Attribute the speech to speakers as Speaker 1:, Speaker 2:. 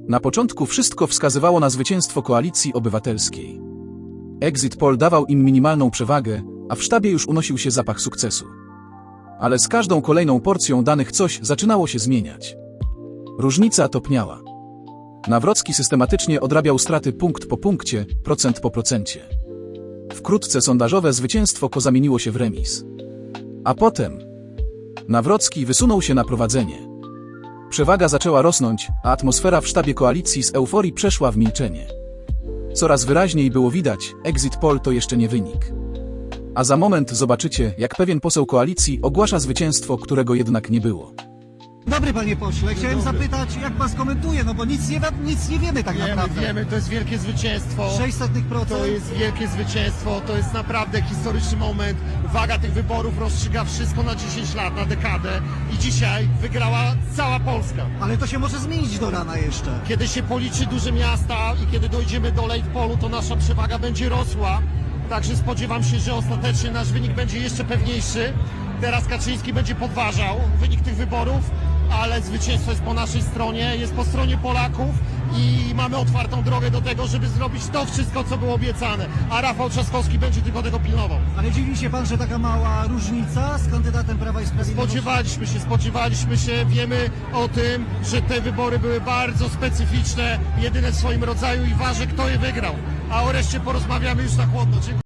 Speaker 1: Na początku wszystko wskazywało na zwycięstwo Koalicji Obywatelskiej. Exit poll dawał im minimalną przewagę, a w sztabie już unosił się zapach sukcesu. Ale z każdą kolejną porcją danych coś zaczynało się zmieniać. Różnica topniała. Nawrocki systematycznie odrabiał straty punkt po punkcie, procent po procencie. Wkrótce sondażowe zwycięstwo Ko zamieniło się w remis. A potem Nawrocki wysunął się na prowadzenie. Przewaga zaczęła rosnąć, a atmosfera w sztabie koalicji z euforii przeszła w milczenie. Coraz wyraźniej było widać, exit poll to jeszcze nie wynik. A za moment zobaczycie, jak pewien poseł koalicji ogłasza zwycięstwo, którego jednak nie było.
Speaker 2: Dobry panie pośle, chciałem zapytać, jak pan skomentuje, no bo nic nie wiemy tak naprawdę.
Speaker 3: Wiemy, to jest wielkie zwycięstwo.
Speaker 2: 0,06%.
Speaker 3: To jest wielkie zwycięstwo, to jest naprawdę historyczny moment. Waga tych wyborów rozstrzyga wszystko na 10 lat, na dekadę i dzisiaj wygrała cała Polska.
Speaker 2: Ale to się może zmienić do rana jeszcze.
Speaker 3: Kiedy się policzy duże miasta i kiedy dojdziemy do late pollu, to nasza przewaga będzie rosła. Także spodziewam się, że ostatecznie nasz wynik będzie jeszcze pewniejszy. Teraz Kaczyński będzie podważał wynik tych wyborów, ale zwycięstwo jest po naszej stronie, jest po stronie Polaków i mamy otwartą drogę do tego, żeby zrobić to wszystko, co było obiecane. A Rafał Trzaskowski będzie tylko tego pilnował.
Speaker 2: Ale dziwi się pan, że taka mała różnica z kandydatem Prawa i Sprawiedliwości?
Speaker 3: Spodziewaliśmy się, wiemy o tym, że te wybory były bardzo specyficzne, jedyne w swoim rodzaju i ważne, kto je wygrał. A o reszcie porozmawiamy już na chłodno. Dziękuję.